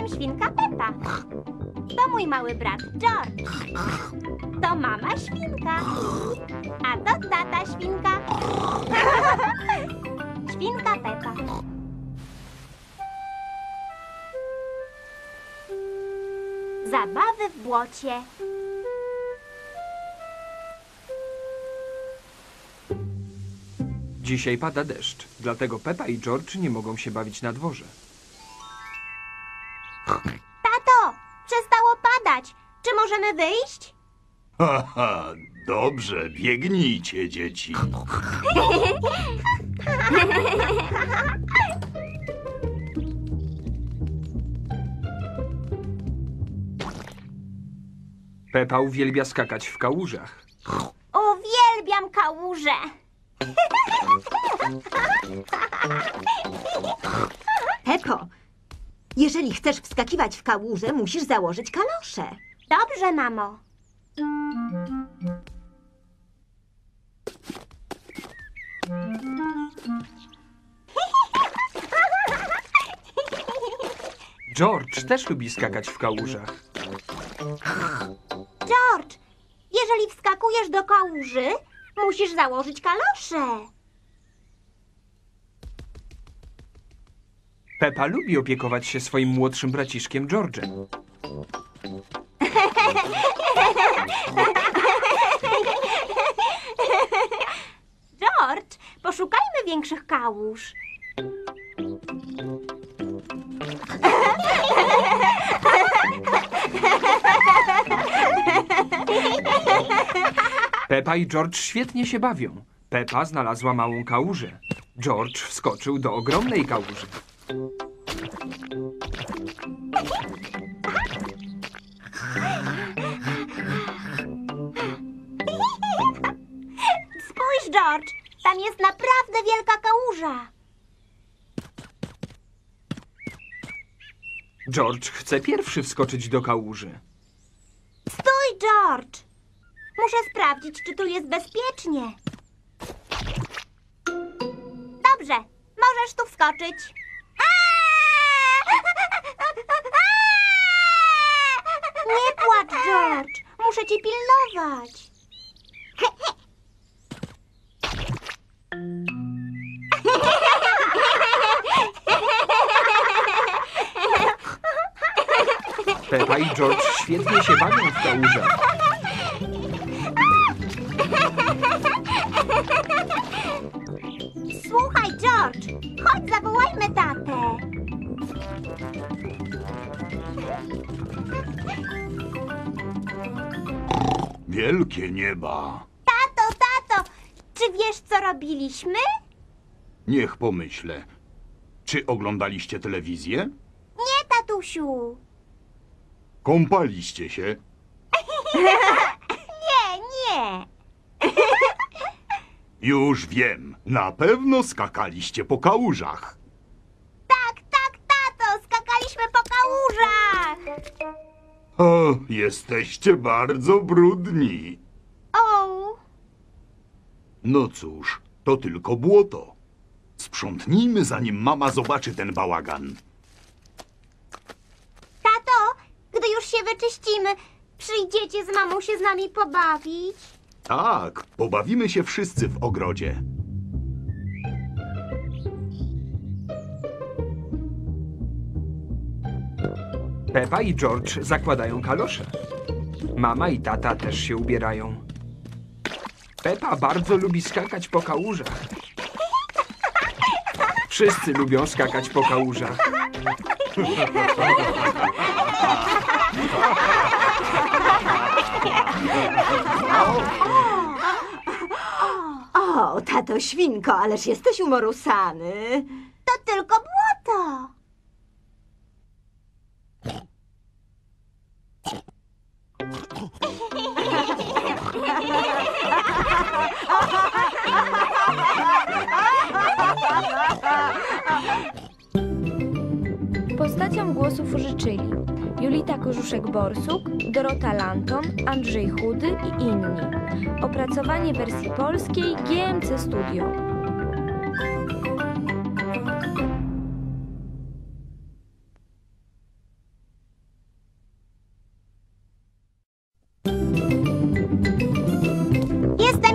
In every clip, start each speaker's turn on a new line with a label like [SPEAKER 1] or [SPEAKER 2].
[SPEAKER 1] Jestem świnka Pepa. To mój mały brat George. To mama świnka. A to tata świnka. Świnka Pepa. Zabawy w błocie.
[SPEAKER 2] Dzisiaj pada deszcz, dlatego Pepa i George nie mogą się bawić na dworze.
[SPEAKER 1] Tato, przestało padać. Czy możemy wyjść?
[SPEAKER 3] Haha, dobrze, biegnijcie, dzieci.
[SPEAKER 2] Pepa uwielbia skakać w kałużach.
[SPEAKER 1] Uwielbiam kałuże.
[SPEAKER 4] Pepo, jeżeli chcesz wskakiwać w kałużę, musisz założyć kalosze.
[SPEAKER 1] Dobrze, mamo.
[SPEAKER 2] George też lubi skakać w kałużach.
[SPEAKER 1] George, jeżeli wskakujesz do kałuży, musisz założyć kalosze.
[SPEAKER 2] Pepa lubi opiekować się swoim młodszym braciszkiem George'em.
[SPEAKER 1] George, poszukajmy większych kałuż.
[SPEAKER 2] Pepa i George świetnie się bawią. Pepa znalazła małą kałużę. George wskoczył do ogromnej kałuży.
[SPEAKER 1] Spójrz, George, tam jest naprawdę wielka kałuża.
[SPEAKER 2] George chce pierwszy wskoczyć do kałuży.
[SPEAKER 1] Stój, George. Muszę sprawdzić, czy tu jest bezpiecznie. Dobrze, możesz tu wskoczyć. Nie płacz, George. Muszę cię pilnować.
[SPEAKER 2] Pepa i George świetnie się bawią w kałużach.
[SPEAKER 1] Słuchaj, George, chodź zawołajmy tatę.
[SPEAKER 3] Wielkie nieba.
[SPEAKER 1] Tato, czy wiesz, co robiliśmy?
[SPEAKER 3] Niech pomyślę. Czy oglądaliście telewizję?
[SPEAKER 1] Nie, tatusiu.
[SPEAKER 3] Kąpaliście się?
[SPEAKER 1] Nie.
[SPEAKER 3] Już wiem. Na pewno skakaliście po kałużach.
[SPEAKER 1] Tak, tato, skakaliśmy po kałużach.
[SPEAKER 3] O, jesteście bardzo brudni.
[SPEAKER 1] O,
[SPEAKER 3] No cóż, to tylko błoto. Sprzątnijmy, zanim mama zobaczy ten bałagan.
[SPEAKER 1] tato, gdy już się wyczyścimy, przyjdziecie z mamą się z nami pobawić?
[SPEAKER 3] Tak, pobawimy się wszyscy w ogrodzie.
[SPEAKER 2] Pepa i George zakładają kalosze. Mama i tata też się ubierają. Pepa bardzo lubi skakać po kałużach. Wszyscy lubią skakać po kałużach.
[SPEAKER 4] O, tato świnko, ależ jesteś umorusany.
[SPEAKER 1] To tylko błoto.
[SPEAKER 5] Postaciom głosów użyczyli Julita Korzuszek-Borsuk, Dorota Lanton, Andrzej Chudy i inni. Opracowanie wersji polskiej GMC Studio.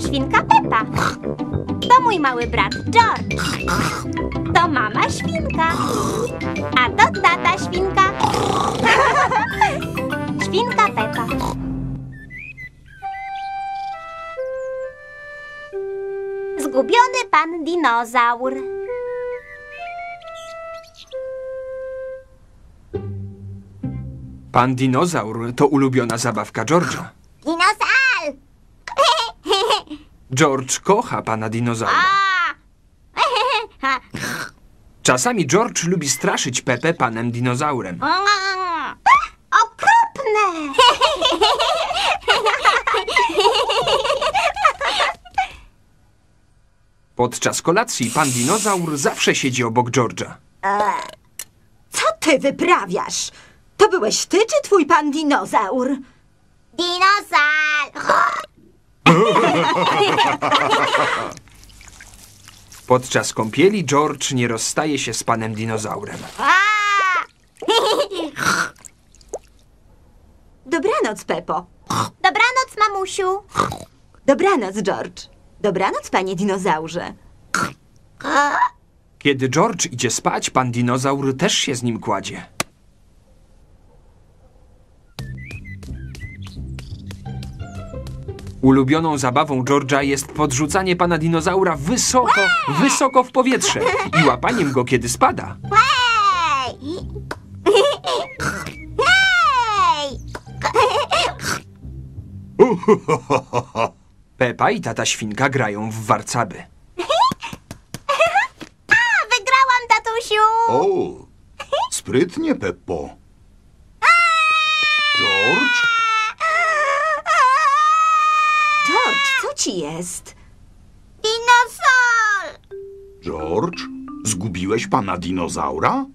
[SPEAKER 1] świnka Pepa. To mój mały brat George. To mama świnka. A to tata świnka. Świnka Pepa. Zgubiony pan dinozaur.
[SPEAKER 2] Pan dinozaur to ulubiona zabawka George'a.
[SPEAKER 1] Dinozaur!
[SPEAKER 2] George kocha pana dinozaura. Czasami George lubi straszyć Pepę panem dinozaurem.
[SPEAKER 1] Okropne!
[SPEAKER 2] Podczas kolacji pan dinozaur zawsze siedzi obok George'a.
[SPEAKER 4] Co ty wyprawiasz? To byłeś ty czy twój pan dinozaur?
[SPEAKER 1] Dinozaur!
[SPEAKER 2] Podczas kąpieli George nie rozstaje się z panem dinozaurem.
[SPEAKER 4] Dobranoc, Pepo.
[SPEAKER 1] Dobranoc, mamusiu.
[SPEAKER 4] Dobranoc, George. Dobranoc, panie dinozaurze.
[SPEAKER 2] Kiedy George idzie spać, pan dinozaur też się z nim kładzie. Ulubioną zabawą George'a jest podrzucanie pana dinozaura wysoko, wysoko w powietrze i łapaniem go, kiedy spada.
[SPEAKER 1] Hej! Hej!
[SPEAKER 2] Pepa i tata świnka grają w warcaby.
[SPEAKER 1] Wygrałam, tatusiu!
[SPEAKER 3] O, sprytnie, Peppo. George?
[SPEAKER 4] George, co ci jest?
[SPEAKER 1] Dinozaur!
[SPEAKER 3] George? Zgubiłeś pana dinozaura?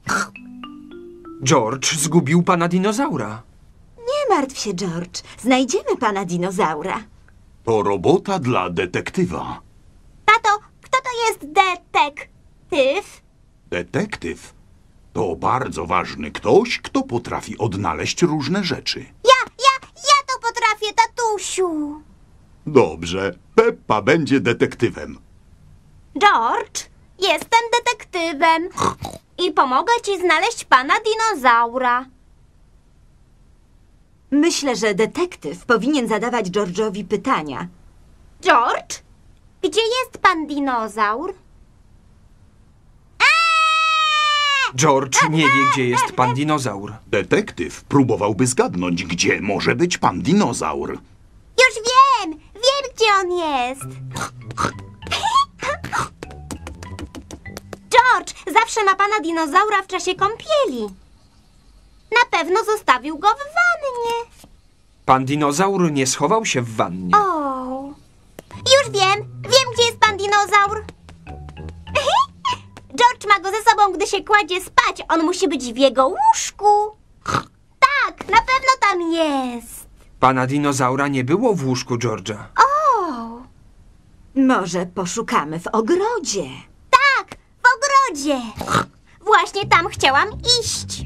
[SPEAKER 2] George zgubił pana dinozaura.
[SPEAKER 4] Nie martw się, George. Znajdziemy pana dinozaura.
[SPEAKER 3] To robota dla detektywa.
[SPEAKER 1] Tato, kto to jest detektyw?
[SPEAKER 3] Detektyw to bardzo ważny ktoś, kto potrafi odnaleźć różne rzeczy.
[SPEAKER 1] Ja to potrafię, tatusiu.
[SPEAKER 3] Dobrze, Peppa będzie detektywem.
[SPEAKER 1] George, jestem detektywem i pomogę ci znaleźć pana dinozaura.
[SPEAKER 4] Myślę, że detektyw powinien zadawać George'owi pytania.
[SPEAKER 1] George, gdzie jest pan dinozaur?
[SPEAKER 2] George nie wie, gdzie jest pan dinozaur.
[SPEAKER 3] Detektyw próbowałby zgadnąć, gdzie może być pan dinozaur.
[SPEAKER 1] Już wiem gdzie on jest. George zawsze ma pana dinozaura w czasie kąpieli. Na pewno zostawił go w wannie.
[SPEAKER 2] Pan dinozaur nie schował się w wannie.
[SPEAKER 1] O, już wiem gdzie jest pan dinozaur. George ma go ze sobą, gdy się kładzie spać. On musi być w jego łóżku. Tak, na pewno tam jest.
[SPEAKER 2] Pana dinozaura nie było w łóżku George'a.
[SPEAKER 1] O,
[SPEAKER 4] Może poszukamy w ogrodzie.
[SPEAKER 1] tak, w ogrodzie. Właśnie tam chciałam iść.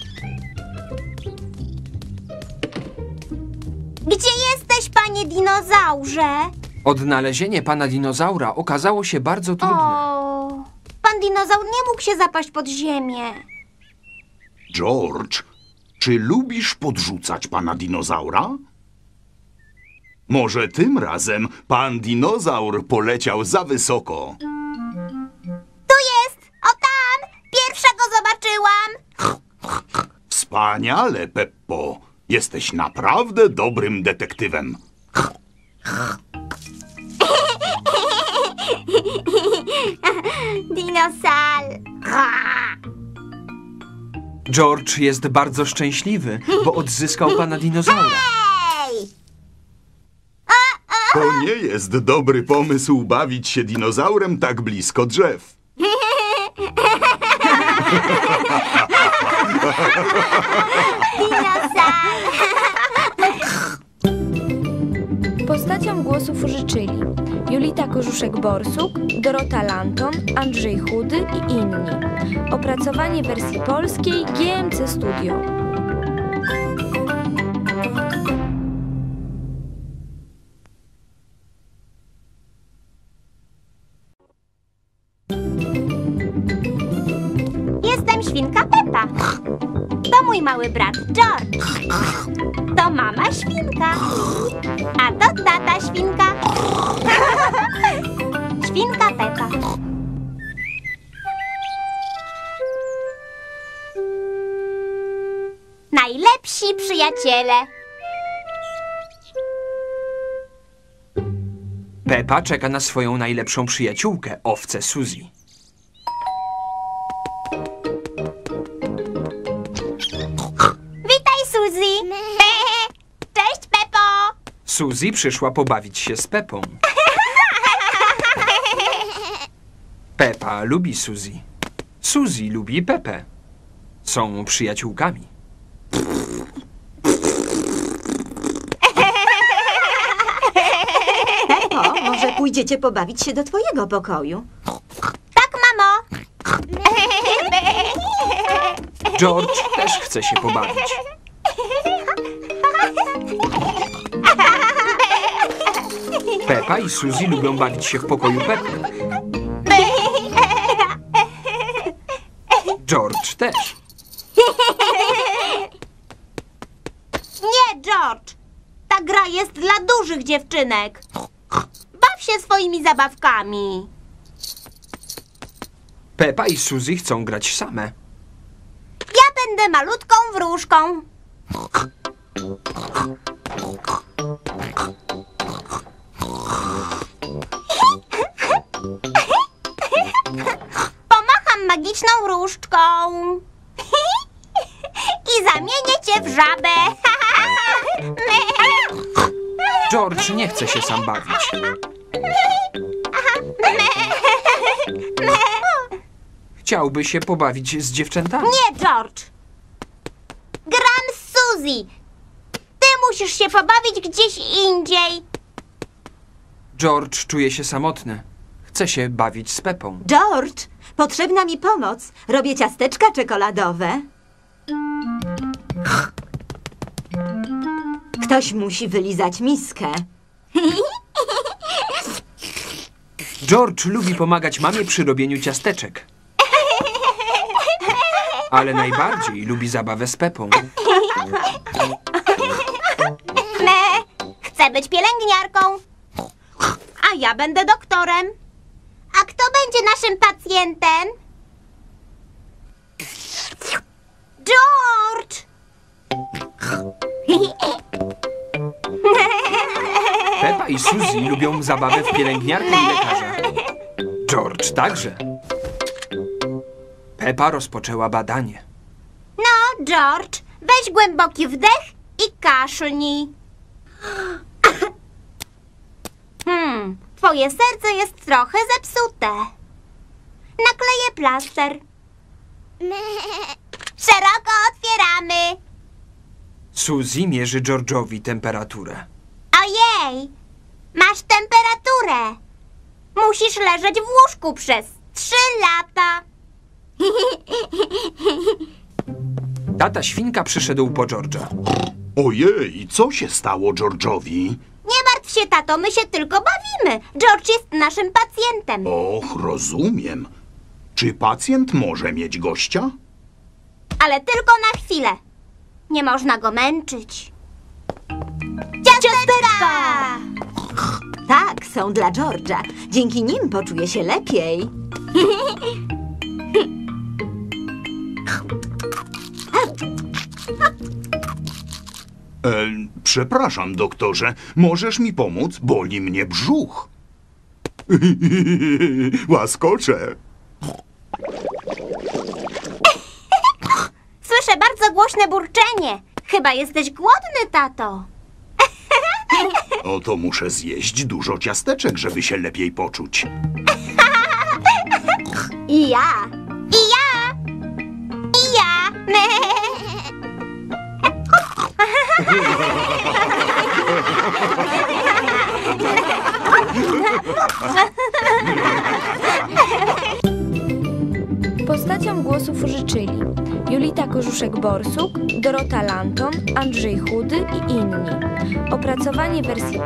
[SPEAKER 1] Gdzie jesteś, panie dinozaurze?
[SPEAKER 2] Odnalezienie pana dinozaura okazało się bardzo trudne.
[SPEAKER 1] O, pan dinozaur nie mógł się zapaść pod ziemię.
[SPEAKER 3] George, czy lubisz podrzucać pana dinozaura? Może tym razem pan dinozaur poleciał za wysoko.
[SPEAKER 1] Tu jest, o tam, pierwsza go zobaczyłam.
[SPEAKER 3] Wspaniale, Peppo. Jesteś naprawdę dobrym detektywem.
[SPEAKER 1] Dinozaur.
[SPEAKER 2] George jest bardzo szczęśliwy, bo odzyskał pana dinozaura.
[SPEAKER 1] Hej!
[SPEAKER 3] To nie jest dobry pomysł bawić się dinozaurem tak blisko drzew.
[SPEAKER 1] Dinozaur.
[SPEAKER 5] Postaciom głosów użyczyli Julita Korzuszek-Borsuk, Dorota Lanton, Andrzej Chudy i inni. Opracowanie wersji polskiej GMC Studio.
[SPEAKER 1] świnka Pepa. To mój mały brat George. To mama świnka. A to tata świnka. Świnka Pepa. Najlepsi przyjaciele.
[SPEAKER 2] Pepa czeka na swoją najlepszą przyjaciółkę, owcę Suzy.
[SPEAKER 1] Witaj, Suzy. Cześć, Pepo.
[SPEAKER 2] Suzy przyszła pobawić się z Pepą. Pepa lubi Suzy. Suzy lubi Pepę. Są przyjaciółkami.
[SPEAKER 4] Pepo, może pójdziecie pobawić się do twojego pokoju?
[SPEAKER 1] Tak, mamo.
[SPEAKER 2] George też chce się pobawić. Pepa i Suzy lubią bawić się w pokoju Pepy. George też.
[SPEAKER 1] Nie, George. Ta gra jest dla dużych dziewczynek. Baw się swoimi zabawkami.
[SPEAKER 2] Pepa i Suzy chcą grać same.
[SPEAKER 1] Ja będę malutką wróżką. Pomacham magiczną różdżką. I zamienię cię w żabę.
[SPEAKER 2] George nie chce się sam bawić. Chciałby się pobawić z dziewczętami.
[SPEAKER 1] Nie, George. Gram z Suzy. Ty musisz się pobawić gdzieś indziej.
[SPEAKER 2] George czuje się samotny. Chce się bawić z Pepą.
[SPEAKER 4] George, potrzebna mi pomoc. Robię ciasteczka czekoladowe. Ktoś musi wylizać miskę.
[SPEAKER 2] George lubi pomagać mamie przy robieniu ciasteczek. Ale najbardziej lubi zabawę z Pepą.
[SPEAKER 1] Chcę być pielęgniarką. A ja będę doktorem. A kto będzie naszym pacjentem? George!
[SPEAKER 2] Pepa i Suzy lubią zabawę w pielęgniarkę i lekarza. George także. Pepa rozpoczęła badanie.
[SPEAKER 1] No, George, weź głęboki wdech i kaszlnij. Twoje serce jest trochę zepsute. Nakleję plaster. Szeroko otwieramy.
[SPEAKER 2] Suzy mierzy George'owi temperaturę.
[SPEAKER 1] Ojej, masz temperaturę. Musisz leżeć w łóżku przez 3 lata.
[SPEAKER 2] Tata świnka przyszedł po George'a.
[SPEAKER 3] Ojej, co się stało George'owi?
[SPEAKER 1] Nie martw się, tato, my się tylko bawimy. George jest naszym pacjentem.
[SPEAKER 3] Och, rozumiem. Czy pacjent może mieć gościa?
[SPEAKER 1] Ale tylko na chwilę. Nie można go męczyć. Ciasteczka!
[SPEAKER 4] Tak, są dla George'a. Dzięki nim poczuje się lepiej.
[SPEAKER 3] Przepraszam, doktorze, możesz mi pomóc? Boli mnie brzuch. Łaskocze.
[SPEAKER 1] Słyszę bardzo głośne burczenie. Chyba jesteś głodny, tato.
[SPEAKER 3] Oto muszę zjeść dużo ciasteczek, żeby się lepiej poczuć.
[SPEAKER 4] I ja.
[SPEAKER 1] I ja! I ja!
[SPEAKER 5] Postaciom głosów użyczyli Jolita Kożuszek-Borsuk, Dorota Lanton, Andrzej Chudy i inni. Opracowanie wersji